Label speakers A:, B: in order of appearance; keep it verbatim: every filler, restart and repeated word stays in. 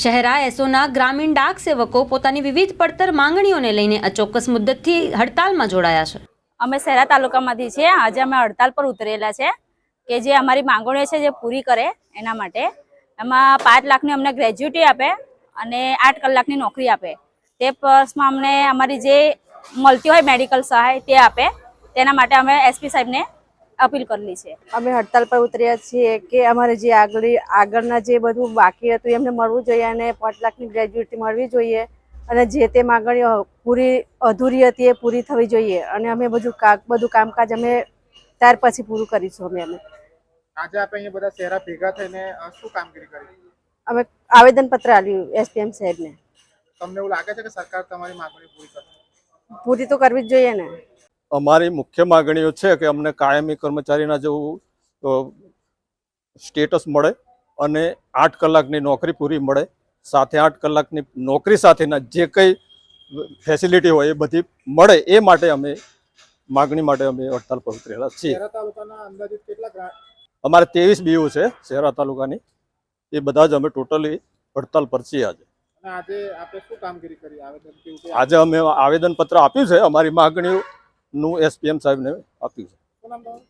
A: શહેરા એસોના ગ્રામીણ ડાક સેવકો પોતાની વિવિધ પડતર માંગણીઓને લઈને અચોક્કસ મુદ્દતથી હડતાલમાં જોડાયા છે।
B: અમે શહેરા તાલુકામાંથી છીએ। આજે અમે હડતાલ પર ઉતરેલા છે કે જે અમારી માંગણીઓ છે જે પૂરી કરે એના માટે। એમાં પાંચ લાખની અમને ગ્રેજ્યુટી આપે અને આઠ કલાકની નોકરી આપે। તે પ્લસમાં અમને અમારી જે મળતી હોય મેડિકલ સહાય તે આપે। તેના માટે અમે એસપી સાહેબને અપીલ કરેલી છે।
C: અમે હડતાલ પર ઉતર્યા છીએ કે અમારે જે આગળ આગળના જે બધું બાકી હતું એમને મળવું જોઈએ અને પાંચ લાખની ગ્રેજ્યુટી મળવી જોઈએ અને જે તે માંગણીઓ પૂરી અધૂરી હતી એ પૂરી થવી જોઈએ અને અમે બધું બધું કામકાજ અમે ત્યાર પછી પૂરું કરીશું। અમે અમે
D: આજે આપણે અહીંયા બધા શહેરા ભેગા થઈને શું કામગીરી કરી?
C: અમે આવેદનપત્ર આપ્યું એસપીએમ સાહેબને।
D: તમને એવું લાગે છે કે સરકાર તમારી માંગણી પૂરી કરશે?
C: પૂરી તો કરવી જ જોઈએ ને।
E: અમારી મુખ્ય માગણીઓ છે કે અમને કાયમી કર્મચારીના જેવું સ્ટેટસ મળે અને આઠ કલાકની નોકરી પૂરી મળે, સાથે આઠ કલાકની નોકરી સાથેના જે કંઈ ફેસિલિટી હોય એ બધી મળે, એ માટે અમે માગણી માટે અમે હડતાલ પર ઉતરેલા છીએ।
D: શહેરા તાલુકાના અંદાજિત કેટલા?
E: અમારે ત્રેવીસ બીઓ છે શહેરા તાલુકાની, એ બધા જ અમે ટોટલી હડતાલ પર છીએ આજે।
D: અને આજે આપણે શું કામગીરી કરી? આવેદન કેવું?
E: આજે અમે આવેદનપત્ર આપ્યું છે, અમારી માગણીઓનું એસપીએમ સાહેબને આપ્યું છે।